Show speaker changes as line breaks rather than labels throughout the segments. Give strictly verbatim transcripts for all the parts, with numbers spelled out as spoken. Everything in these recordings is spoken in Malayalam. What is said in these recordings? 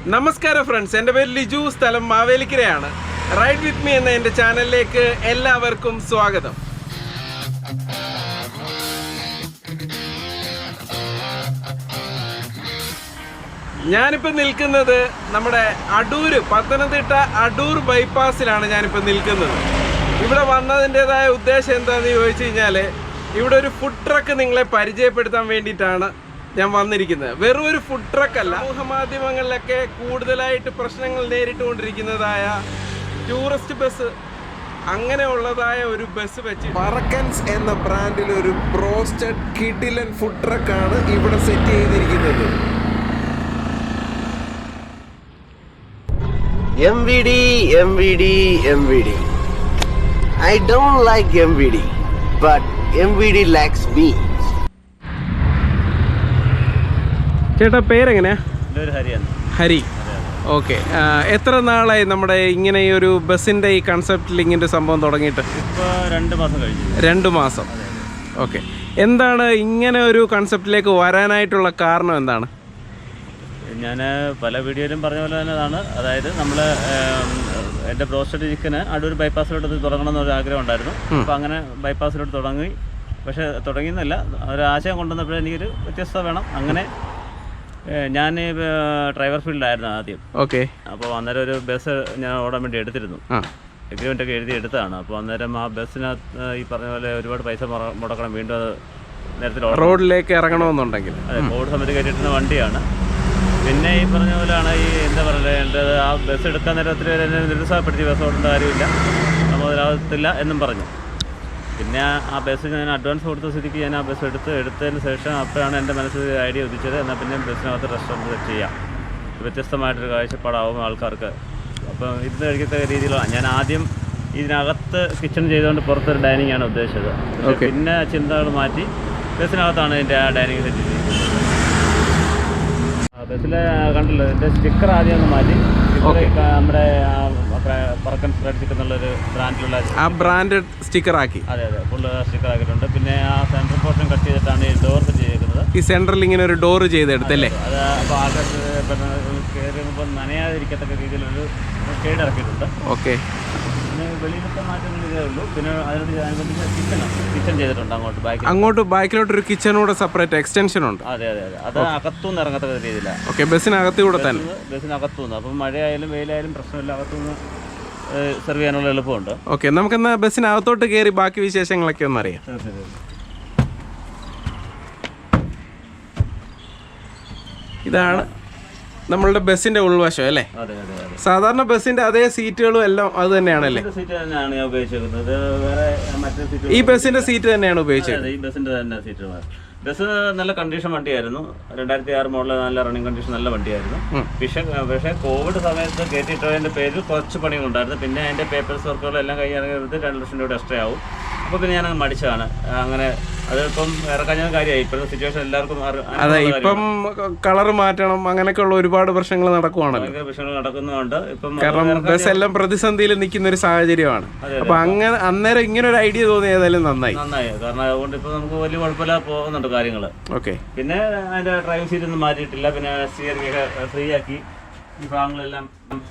നമസ്കാരം ഫ്രണ്ട്സ്, എൻ്റെ പേര് ലിജു, സ്ഥലം മാവേലിക്കരയാണ്. റൈഡ് വിത്ത് മീ എന്ന എൻ്റെ ചാനലിലേക്ക് എല്ലാവർക്കും സ്വാഗതം. ഞാനിപ്പോൾ നിൽക്കുന്നത് നമ്മുടെ അടൂര്, പത്തനംതിട്ട അടൂർ ബൈപ്പാസിലാണ് ഞാനിപ്പോൾ നിൽക്കുന്നത്. ഇവിടെ വന്നതിൻ്റെതായ ഉദ്ദേശം എന്താണെന്ന് ചോദിച്ചു കഴിഞ്ഞാൽ, ഇവിടെ ഒരു ഫുഡ് ട്രക്ക് നിങ്ങളെ പരിചയപ്പെടുത്താൻ വേണ്ടിയിട്ടാണ് ഞാൻ വന്നിരിക്കുന്നത്. വെറും ഒരു ഫുഡ് ട്രക്ക് അല്ല, സമൂഹ മാധ്യമങ്ങളിലൊക്കെ കൂടുതലായിട്ട് പ്രശ്നങ്ങൾ നേരിട്ടുകൊണ്ടിരിക്കുന്നതായ ടൂറിസ്റ്റ് ബസ്, അങ്ങനെയുള്ളതായ ഒരു ബസ് വെച്ച്
പറക്കൻസ് എന്ന ബ്രാൻഡിൽ ഒരു ബ്രോസ്റ്റഡ് കിഡിലൻ ഫുഡ് ട്രക്കാണ് ഇവിടെ സെറ്റ് ചെയ്തിരിക്കുന്നത്.
M V D, M V D, M V D. I don't like M V D, but M V D likes me.
ചേട്ടാ പേരെങ്ങനെയാ? ഹരി. ഓക്കെ, എത്ര നാളായി നമ്മുടെ ഇങ്ങനെ ഈ ഒരു ബസ്സിൻ്റെ ഈ കൺസെപ്റ്റിൽ ഇങ്ങനെ ഒരു സംഭവം തുടങ്ങിയിട്ട്?
ഇപ്പോൾ രണ്ട് മാസം കഴിഞ്ഞു.
രണ്ട് മാസം. ഓക്കെ, എന്താണ് ഇങ്ങനെ ഒരു കൺസെപ്റ്റിലേക്ക് വരാനായിട്ടുള്ള കാരണം എന്താണ്?
ഞാൻ പല വീഡിയോയിലും പറഞ്ഞ പോലെ തന്നെയാണ്. അതായത് നമ്മൾ എൻ്റെ ബ്രോസ്റ്റഡ് ചിക്കന് അടൂർ ബൈപ്പാസിലോട്ട് തുടങ്ങണം എന്നൊരു ആഗ്രഹം ഉണ്ടായിരുന്നു. അപ്പോൾ അങ്ങനെ ബൈപ്പാസിലോട്ട് തുടങ്ങി. പക്ഷേ തുടങ്ങിയെന്നല്ല, ഒരു ആശയം കൊണ്ടുവന്നപ്പോഴേ എനിക്കൊരു വ്യത്യസ്തത വേണം. അങ്ങനെ ഞാൻ ഡ്രൈവർ ഫീൽഡിലായിരുന്നു ആദ്യം.
ഓക്കെ.
അപ്പോൾ അന്നേരം ഒരു ബസ് ഞാൻ ഓടാൻ വേണ്ടി എടുത്തിരുന്നു. എഗ്രിമെൻ്റ് ഒക്കെ എഴുതി എടുത്തതാണ്. അപ്പോൾ അന്നേരം ആ ബസ്സിനകത്ത് ഈ പറഞ്ഞ പോലെ ഒരുപാട് പൈസ മുടക്കണം. വീണ്ടും അത് നേരത്തെ
റോഡിലേക്ക് ഇറങ്ങണമെന്നുണ്ടെങ്കിൽ
അതെ, കോവിഡ് സമയത്ത് കയറ്റിയിരുന്ന വണ്ടിയാണ്. പിന്നെ ഈ പറഞ്ഞ പോലെയാണ് ഈ എന്താ പറയേണ്ടത്, ആ ബസ് എടുക്കാൻ നേരത്തിൽ എന്നെ നിരുത്സാഹപ്പെടുത്തി, ബസ് ഓടേണ്ട കാര്യമില്ല, നമ്മൾ അതിലാകത്തില്ല എന്നും പറഞ്ഞു. പിന്നെ ആ ബസ് ഞാൻ അഡ്വാൻസ് കൊടുത്ത സ്ഥിതിക്ക് ഞാൻ ആ ബസ് എടുത്ത് എടുത്തതിന് ശേഷം അപ്പോഴാണ് എൻ്റെ മനസ്സിൽ ഐഡിയ ഉദിച്ചത്, എന്നാൽ പിന്നെ ബസ്സിനകത്ത് റെസ്റ്റോറൻറ്റ് സെറ്റ് ചെയ്യാം, വ്യത്യസ്തമായിട്ടൊരു കാഴ്ചപ്പാടാവും ആൾക്കാർക്ക്. അപ്പം ഇരുന്ന് കഴിക്കത്ത രീതിയിലാണ് ഞാൻ ആദ്യം ഇതിനകത്ത് കിച്ചൺ ചെയ്തുകൊണ്ട് പുറത്തൊരു ഡൈനിങ് ആണ് ഉദ്ദേശിച്ചത്. പിന്നെ ചിന്തകൾ മാറ്റി ബസ്സിനകത്താണ് എൻ്റെ ആ ഡൈനിങ് സെറ്റ് ചെയ്തിരിക്കുന്നത്. ബസ്സിൽ കണ്ടല്ലോ, എൻ്റെ സ്റ്റിക്കർ ആദ്യം ഒന്ന് മാറ്റി. നമ്മുടെ പറക്കൻ ഫ്രൈഡ് ചിക്കൻ എന്നുള്ളൊരു ബ്രാൻഡിലുള്ള
ആ ബ്രാൻഡ് സ്റ്റിക്കർ ആക്കി.
അതെ അതെ, ഫുള്ള് സ്റ്റിക്കർ ആക്കിയിട്ടുണ്ട്. പിന്നെ ആ സെൻട്രൽ പോർഷൻ കട്ട് ചെയ്തിട്ടാണ് ഈ ഡോർ സെറ്റ് ചെയ്തിരിക്കുന്നത്.
ഈ സെൻട്രൽ ഇങ്ങനെ ഒരു ഡോർ ചെയ്തെടുത്തല്ലേ?
അത് അപ്പോൾ ആൾക്കാർ കയറിയപ്പോൾ നനയാതിരിക്കത്തക്ക രീതിയിലൊരു ഷെയ്ഡ് ഇറക്കിയിട്ടുണ്ട്.
ഓക്കെ.
പിന്നെ വെളിയിലത്തെ മാറ്റങ്ങൾ ഇതേ ഉള്ളൂ. പിന്നെ അതിനോട് കിച്ചൺ കിച്ചൺ ചെയ്തിട്ടുണ്ട് അങ്ങോട്ട് ബാക്കി
അങ്ങോട്ട് ബാക്കിലോട്ടൊരു കിച്ചണൂടെ സെപ്പറേറ്റ് എക്സ്റ്റൻഷൻ ഉണ്ട്.
അതെ അതെ അതെ, അത് അകത്തുനിന്ന് ഇറങ്ങത്തക്ക രീതിയിലാണ്.
ഓക്കെ, ബസ്സിനകത്ത് കൂടെ തന്നെ?
ബസ്സിനകത്തുനിന്ന്. അപ്പം മഴയായാലും വെയിലായാലും പ്രശ്നമില്ല, അകത്തുനിന്ന് സെർവ് ചെയ്യാനുള്ള എളുപ്പമുണ്ട്.
ഓക്കെ, നമുക്കെന്നാ ബസ്സിനകത്തോട്ട് കയറി ബാക്കി വിശേഷങ്ങളൊക്കെ ഒന്ന് അറിയാം. ഇതാണ് നമ്മളുടെ ബസ്സിന്റെ ഉൾവശം അല്ലേ? സാധാരണ ബസ്സിന്റെ അതേ സീറ്റുകളും എല്ലാം അത് തന്നെയാണല്ലേ?
സീറ്റ് തന്നെയാണ് ഞാൻ ഉപയോഗിച്ചിരിക്കുന്നത്. വേറെ മറ്റേ സീറ്റ്
ഈ ബസ്സിന്റെ സീറ്റ് തന്നെയാണ് ഉപയോഗിച്ചത്?
ഈ ബസ്സിന്റെ തന്നെ സീറ്റ്. ബസ് നല്ല കണ്ടീഷൻ വണ്ടിയായിരുന്നു. രണ്ടായിരത്തി ആറ് മോഡൽ, നല്ല റണ്ണിങ് കണ്ടീഷൻ, നല്ല വണ്ടിയായിരുന്നു. പക്ഷേ പക്ഷേ കോവിഡ് സമയത്ത് കയറ്റിയിട്ടതിൻ്റെ പേരിൽ കുറച്ച് പണികളുണ്ടായിരുന്നു. പിന്നെ അതിൻ്റെ പേപ്പേഴ്സ് വർക്കുകളെല്ലാം കഴിഞ്ഞിറങ്ങിയത് രണ്ട് ലക്ഷം രൂപ എക്സ്ട്രാ ആവും. അപ്പോൾ പിന്നെ ഞാനങ്ങ് മടിച്ചതാണ്. അങ്ങനെ അതിപ്പം ഇറക്കാൻ കാര്യമായി. ഇപ്പോഴത്തെ സിറ്റുവേഷൻ എല്ലാവർക്കും
അതെ, ഇപ്പം കളർ മാറ്റണം, അങ്ങനെയൊക്കെ ഉള്ള ഒരുപാട് പ്രശ്നങ്ങൾ നടക്കുവാണല്ലോ.
ഭയങ്കര പ്രശ്നങ്ങൾ നടക്കുന്നുണ്ട് ഇപ്പം.
കാരണം ബസ് എല്ലാം പ്രതിസന്ധിയിൽ നിൽക്കുന്ന ഒരു സാഹചര്യമാണ്. അപ്പൊ അങ്ങനെ അന്നേരം ഇങ്ങനെ ഒരു ഐഡിയ തോന്നി, ഏതായാലും നന്നായി
നന്നായി കാരണം അതുകൊണ്ട് ഇപ്പൊ നമുക്ക് വലിയ കുഴപ്പമില്ല പോകുന്നുണ്ട് കാര്യങ്ങൾ.
ഓക്കെ.
പിന്നെ അതിന്റെ ഡ്രൈവിംഗ് സീറ്റ് ഒന്നും മാറ്റിയിട്ടില്ല. പിന്നെ സ്റ്റിയറിംഗ് ഒക്കെ ഫ്രീ ആക്കി. ഈ ഭാഗങ്ങളെല്ലാം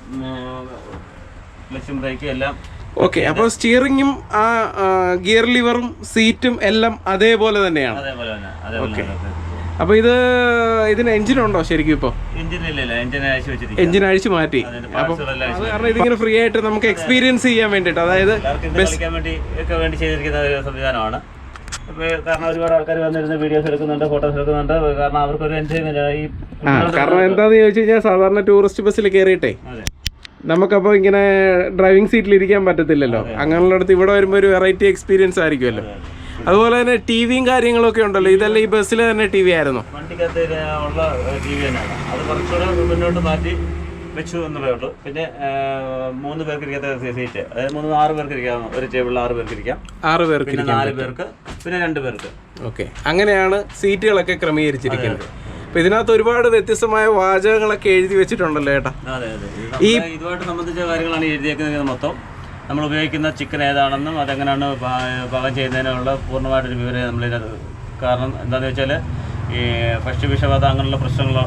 ക്ലച്ചും ബ്രേക്കും എല്ലാം
ഓക്കെ. അപ്പോൾ സ്റ്റിയറിംഗും ആ ഗിയർ ലിവറും സീറ്റും എല്ലാം അതേപോലെ തന്നെയാണ്?
അതേപോലെ തന്നെ, അതേപോലെ.
അപ്പൊ ഇത് ഇതിന് എഞ്ചിൻ ഉണ്ടോ ശരിക്കും? ഇപ്പൊ എഞ്ചിൻ അഴിച്ചു മാറ്റി. അപ്പൊ അത് കാരണം ഇതിങ്ങനെ ഫ്രീ ആയിട്ട് നമുക്ക് എക്സ്പീരിയൻസ് ചെയ്യാൻ വേണ്ടിട്ട്, അതായത്
കളിക്കാൻ വേണ്ടി ഒക്കെ വേണ്ടി ചെയ്തിരിക്കുന്ന ഒരു സംവിധാനമാണ്. കാരണം ഒരുപാട് ആൾക്കാർ വന്നിരുന്ന വീഡിയോസ് എടുക്കുന്നുണ്ട്, ഫോട്ടോസ് എടുക്കുന്നുണ്ട്. കാരണം അവർക്കൊരു എൻജോയ്മെന്റ്. ഈ
കാരണം എന്താന്ന് ചോദിച്ചു കഴിഞ്ഞാൽ, സാധാരണ ടൂറിസ്റ്റ് ബസ്സിൽ കയറിയിട്ടേ നമുക്കപ്പോൾ ഇങ്ങനെ ഡ്രൈവിംഗ് സീറ്റിൽ ഇരിക്കാൻ പറ്റത്തില്ലല്ലോ. അങ്ങനെയുള്ളിടത്ത് ഇവിടെ വരുമ്പോൾ ഒരു വെറൈറ്റി എക്സ്പീരിയൻസ് ആയിരിക്കുമല്ലോ. അതുപോലെ തന്നെ ടി വിയും കാര്യങ്ങളൊക്കെ ഉണ്ടല്ലോ, ഇതെല്ലാം ഈ ബസ്സിൽ തന്നെ ടി വി ആയിരുന്നു?
വണ്ടിക്കകത്ത് ഉള്ള ടി വി തന്നെയാണ്. അത് കുറച്ചുകൂടെ മുന്നോട്ട് മാറ്റി വെച്ചു എന്നുള്ളതേ ഉള്ളൂ. പിന്നെ മൂന്ന് പേർക്ക് ഇരിക്കാത്ത സീറ്റ്, അതായത് മൂന്ന് ആറ് പേർക്ക് ഇരിക്കാം. ഒരു ടേബിളിൽ ആറ് പേർക്ക് ഇരിക്കാം.
ആറ് പേർക്ക്,
പിന്നെ നാല് പേർക്ക്, പിന്നെ രണ്ട് പേർക്ക്.
ഓക്കെ, അങ്ങനെയാണ് സീറ്റുകളൊക്കെ ക്രമീകരിച്ചിരിക്കുന്നത്. അപ്പൊ ഇതിനകത്ത് ഒരുപാട് വ്യത്യസ്തമായ വാചകങ്ങളൊക്കെ എഴുതി വെച്ചിട്ടുണ്ടല്ലോ ചേട്ടാ?
അതെ അതെ, ഈ ഇതുമായിട്ട് സംബന്ധിച്ച കാര്യങ്ങളാണ് എഴുതിയേക്കുന്നത്. മൊത്തം നമ്മൾ ഉപയോഗിക്കുന്ന ചിക്കൻ ഏതാണെന്നും അതെങ്ങനെയാണ് പാകം ചെയ്യുന്നതിനുള്ള പൂർണ്ണമായിട്ടൊരു വിവരം നമ്മളിതിനകത്ത്. കാരണം എന്താണെന്ന് വെച്ചാൽ ഈ ഭക്ഷ്യവിഷബാധ അങ്ങനെയുള്ള പ്രശ്നങ്ങൾ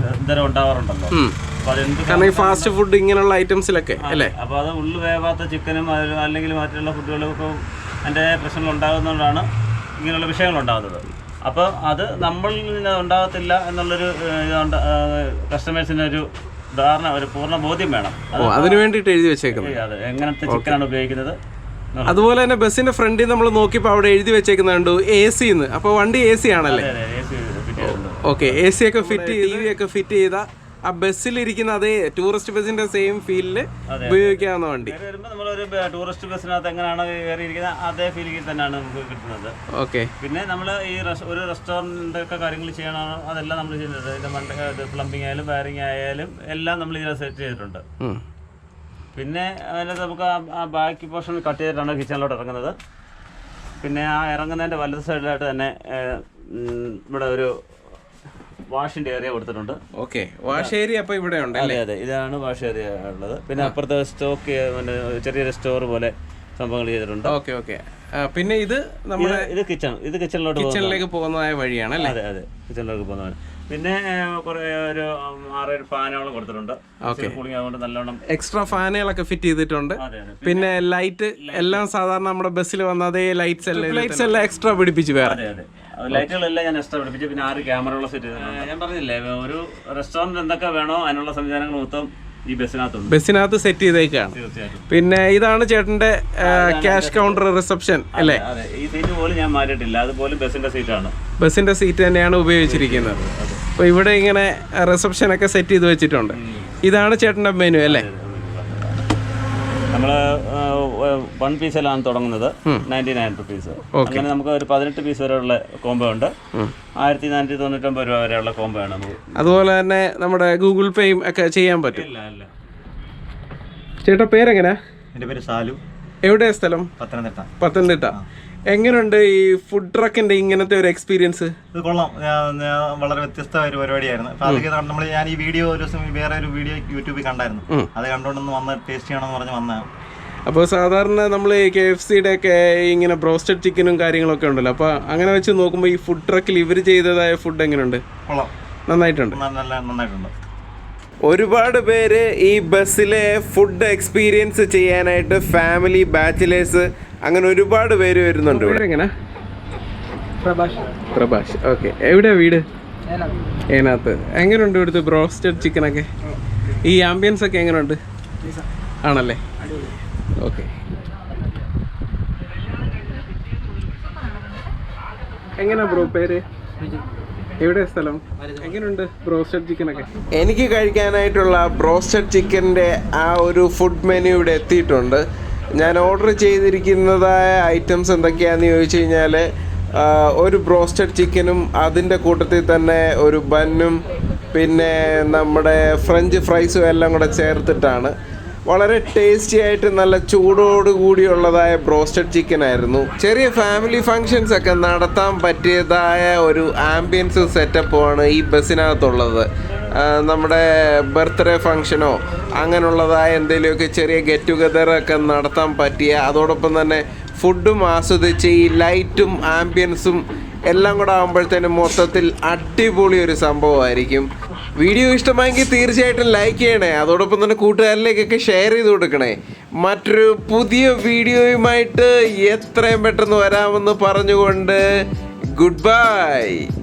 എന്തരം ഉണ്ടാവാറുണ്ടല്ലോ. അപ്പോൾ അതെന്ത്
കാരണം ഈ ഫാസ്റ്റ് ഫുഡ് ഇങ്ങനെയുള്ള ഐറ്റംസിലൊക്കെ അല്ലേ.
അപ്പോൾ അത് ഉള്ളു വേവാത്ത ചിക്കനും അല്ലെങ്കിൽ മറ്റുള്ള ഫുഡുകൾക്കും അതിൻ്റെ പ്രശ്നങ്ങൾ ഉണ്ടാകുന്നതുകൊണ്ടാണ് ഇങ്ങനെയുള്ള വിഷയങ്ങൾ ഉണ്ടാകുന്നത്. അപ്പോൾ അത് നമ്മളിൽ നിന്ന് ഉണ്ടാകത്തില്ല എന്നുള്ളൊരു കസ്റ്റമേഴ്സിന് ഒരു ധാരണ, ഒരു പൂർണ്ണ ബോധ്യം വേണം.
അതിന് വേണ്ടിയിട്ട് എഴുതി വെച്ചേക്കുന്നത്
അത് എങ്ങനത്തെ ചിക്കനാണ് ഉപയോഗിക്കുന്നത്.
അതുപോലെ തന്നെ ബസ്സിന്റെ ഫ്രണ്ടിൽ നമ്മൾ നോക്കിയപ്പോൾ അവിടെ എഴുതി വെച്ചേക്കുന്നത് കണ്ടു എ സിന്ന്. അപ്പോൾ വണ്ടി എ സി ആണല്ലേ? ഓക്കെ, എ സി ഒക്കെ ഫിറ്റ് ടി വി ഒക്കെ ഫിറ്റ് ചെയ്ത ആ ബസ്സിലിരിക്കുന്ന അതേ ടൂറിസ്റ്റ് ബസ്സിന്റെ സെയിം ഫീലില് ഉപയോഗിക്കാവുന്ന വണ്ടി.
നമ്മളൊരു ടൂറിസ്റ്റ് ബസ്സിനകത്ത് എങ്ങനെയാണ് കയറിയിരിക്കുന്നത് അതേ ഫീലിംഗ് തന്നെയാണ് നമുക്ക് കിട്ടുന്നത്.
ഓക്കെ.
പിന്നെ നമ്മൾ ഈ ഒരു റെസ്റ്റോറൻറ്റ് ഒക്കെ കാര്യങ്ങൾ ചെയ്യണോ അതെല്ലാം നമ്മൾ ചെയ്യുന്നത്. ഇതിന്റെ മണ്ട പ്ലംബിംഗ് ആയാലും വയറിംഗ് ആയാലും എല്ലാം നമ്മൾ ഇതിനെ സെറ്റ് ചെയ്തിട്ടുണ്ട്. പിന്നെ അതിനകത്ത് നമുക്ക് ആ ബാക്കി പോർഷൻ കട്ട് ചെയ്തിട്ടാണ് കിച്ചണിലോട്ട് ഇറങ്ങുന്നത്. പിന്നെ ആ ഇറങ്ങുന്നതിൻ്റെ വലത് സൈഡിലായിട്ട് തന്നെ ഇവിടെ ഒരു വാഷിൻ്റെ ഏരിയ കൊടുത്തിട്ടുണ്ട്.
ഓക്കെ, വാഷ് ഏരിയ അപ്പോൾ ഇവിടെ ഉണ്ട്.
അതെ അതെ, ഇതാണ് വാഷ് ഏരിയ ഉള്ളത്. പിന്നെ അപ്പുറത്തെ സ്റ്റോക്ക് പിന്നെ ചെറിയൊരു സ്റ്റോർ പോലെ സംഭവങ്ങൾ ചെയ്തിട്ടുണ്ട്.
Okay okay. പിന്നെ ഇത് നമ്മുടെ
ഇത് കിച്ചൺ, ഇത് കിച്ചണിലോട്ട്
കിച്ചണിലേക്ക് പോകുന്നതായ വഴിയാണ് അല്ലേ?
അതെ അതെ, കിച്ചണിലേക്ക് പോകുന്നതാണ്. പിന്നെ കുറെ ഒരു ആറേഴ് ഫാനുകളും കൊടുത്തിട്ടുണ്ട്. കൂളിംഗ് ആയതുകൊണ്ട് നല്ലോണം
എക്സ്ട്രാ ഫാനുകളൊക്കെ ഫിറ്റ് ചെയ്തിട്ടുണ്ട്. പിന്നെ ലൈറ്റ് എല്ലാം സാധാരണ നമ്മുടെ ബസ്സിൽ വന്ന അതേ ലൈറ്റ്സ് എല്ലാം ലൈറ്റ്സ് എല്ലാം എക്സ്ട്രാ പിടിപ്പിച്ച് വേറെ.
അതെ അതെ, ലൈറ്റുകളെല്ലാം ഞാൻ എക്സ്ട്രാ പിടിപ്പിച്ചു. പിന്നെ ആറ് ക്യാമറകൾ സെറ്റ് ചെയ്തിട്ടുണ്ട്. ഞാൻ പറഞ്ഞില്ലേ, ഒരു റെസ്റ്റോറൻറ്റ് എന്തൊക്കെ വേണോ അതിനുള്ള സംവിധാനങ്ങൾ മൊത്തം ഈ ബസ്സിനകത്തുണ്ട്.
ബസ്സിനകത്ത് സെറ്റ് ചെയ്തേക്കാണ്.
തീർച്ചയായിട്ടും.
പിന്നെ ഇതാണ് ചേട്ടന്റെ ക്യാഷ് കൗണ്ടർ റിസപ്ഷൻ അല്ലേ?
അതെ, ഈ സീറ്റ് പോലും ഞാൻ മാറ്റിയിട്ടില്ല, അതുപോലും ബസ്സിന്റെ സീറ്റാണ്.
ബസ്സിന്റെ സീറ്റ് തന്നെയാണ് ഉപയോഗിച്ചിരിക്കുന്നത്. അപ്പോൾ ഇവിടെ ഇങ്ങനെ റിസപ്ഷൻ ഒക്കെ സെറ്റ് ചെയ്ത് വെച്ചിട്ടുണ്ട്. ഇതാണ് ചേട്ടന്റെ മെനു അല്ലേ?
നമ്മൾ വൺ പീസിലാണ് തുടങ്ങുന്നത്, നയൻറ്റി നയൻ റുപ്പീസ്. അങ്ങനെ നമുക്ക് ഒരു പതിനെട്ട് പീസ് വരെയുള്ള കോംബോ ഉണ്ട്. ആയിരത്തി നാനൂറ്റി തൊണ്ണൂറ്റൊമ്പത് രൂപ വരെയുള്ള കോംബോ ആണ് നമുക്ക്.
അതുപോലെ തന്നെ നമ്മുടെ ഗൂഗിൾ പേയും ഒക്കെ ചെയ്യാൻ പറ്റും.
ഇല്ല ഇല്ല.
ചേട്ടാ പേരെങ്ങനെയാ?
എൻ്റെ പേര് സാലു.
എവിടെയാ സ്ഥലം?
പത്തനംതിട്ട.
പത്തനംതിട്ട. എങ്ങനെയുണ്ട് ഈ ഫുഡ് ട്രക്കിന്റെ ഇങ്ങനത്തെ ഒരു എക്സ്പീരിയൻസ്?
ഇത് കൊള്ളാം, വളരെ വ്യത്യസ്തമായ ഒരു പരിപാടിയായിരുന്നു. അപ്പൊ അതൊക്കെ നമ്മൾ ഞാൻ ഈ വീഡിയോ ഒരു ദിവസം വേറെ ഒരു വീഡിയോ യൂട്യൂബിൽ കണ്ടായിരുന്നു. അത് കണ്ടുകൊണ്ടൊന്ന് വന്ന് ടേസ്റ്റ് ചെയ്യണമെന്ന് പറഞ്ഞ് വന്നതാണ്.
അപ്പോൾ സാധാരണ നമ്മൾ കെ എഫ് സിയുടെ ഒക്കെ ഇങ്ങനെ ബ്രോസ്റ്റഡ് ചിക്കനും കാര്യങ്ങളൊക്കെ ഉണ്ടല്ലോ, അപ്പോൾ അങ്ങനെ വെച്ച് നോക്കുമ്പോൾ ഈ ഫുഡ് ട്രക്കിൽ ഇവർ ചെയ്തതായ ഫുഡ് എങ്ങനെയുണ്ട്?
കൊള്ളാം,
നന്നായിട്ടുണ്ട്.
നല്ല നന്നായിട്ടുണ്ട്.
ഒരുപാട് പേര് ഈ ബസ്സിലെ ഫുഡ് എക്സ്പീരിയൻസ് ചെയ്യാനായിട്ട് ഫാമിലി, ബാച്ചിലേഴ്സ് അങ്ങനെ ഒരുപാട് പേര് വരുന്നുണ്ട് ഇവിടെ.
എങ്ങനെ? പ്രഭാഷ്. ഓക്കെ, എവിടെയാ വീട്? ഏനാത്ത്. എങ്ങനെയുണ്ട് ഇവിടുത്തെ ബ്രോസ്റ്റഡ് ചിക്കനൊക്കെ? ഈ ആംബിയൻസ് ഒക്കെ എങ്ങനെയുണ്ട്? ആണല്ലേ? ഓക്കെ. എങ്ങനെയാ ബ്രോ പേര്? എവിടെ സ്ഥലം? എങ്ങനെയുണ്ട് ബ്രോസ്റ്റഡ് ചിക്കനൊക്കെ?
എനിക്ക് കഴിക്കാനായിട്ടുള്ള ബ്രോസ്റ്റഡ് ചിക്കൻ്റെ ആ ഒരു ഫുഡ് മെനു ഇവിടെ എത്തിയിട്ടുണ്ട്. ഞാൻ ഓർഡർ ചെയ്തിരിക്കുന്നതായ ഐറ്റംസ് എന്തൊക്കെയാണെന്ന് ചോദിച്ചു കഴിഞ്ഞാൽ ഒരു ബ്രോസ്റ്റഡ് ചിക്കനും അതിൻ്റെ കൂട്ടത്തിൽ തന്നെ ഒരു ബന്നും പിന്നെ നമ്മുടെ ഫ്രഞ്ച് ഫ്രൈസും എല്ലാം കൂടെ ചേർത്തിട്ടാണ്. വളരെ ടേസ്റ്റി ആയിട്ട് നല്ല ചൂടോട് കൂടിയുള്ളതായ ബ്രോസ്റ്റഡ് ചിക്കൻ ആയിരുന്നു. ചെറിയ ഫാമിലി ഫങ്ഷൻസ് ഒക്കെ നടത്താൻ പറ്റിയതായ ഒരു ആംബിയൻസ് സെറ്റപ്പുമാണ് ഈ ബസ്സിനകത്തുള്ളത്. നമ്മുടെ ബർത്ത്ഡേ ഫങ്ഷനോ അങ്ങനെയുള്ളതായ എന്തെങ്കിലുമൊക്കെ ചെറിയ ഗെറ്റ് ടുഗദറൊക്കെ നടത്താൻ പറ്റിയ, അതോടൊപ്പം തന്നെ ഫുഡും ആസ്വദിച്ച് ഈ ലൈറ്റും ആംബിയൻസും എല്ലാം കൂടെ ആകുമ്പോഴത്തേനും മൊത്തത്തിൽ അടിപൊളി ഒരു സംഭവമായിരിക്കും. വീഡിയോ ഇഷ്ടമായെങ്കിൽ തീർച്ചയായിട്ടും ലൈക്ക് ചെയ്യണേ. അതോടൊപ്പം തന്നെ കൂട്ടുകാരിലേക്കൊക്കെ ഷെയർ ചെയ്ത് കൊടുക്കണേ. മറ്റൊരു പുതിയ വീഡിയോയുമായിട്ട് എത്രയും പെട്ടെന്ന് വരാമെന്ന് പറഞ്ഞുകൊണ്ട് ഗുഡ് ബൈ.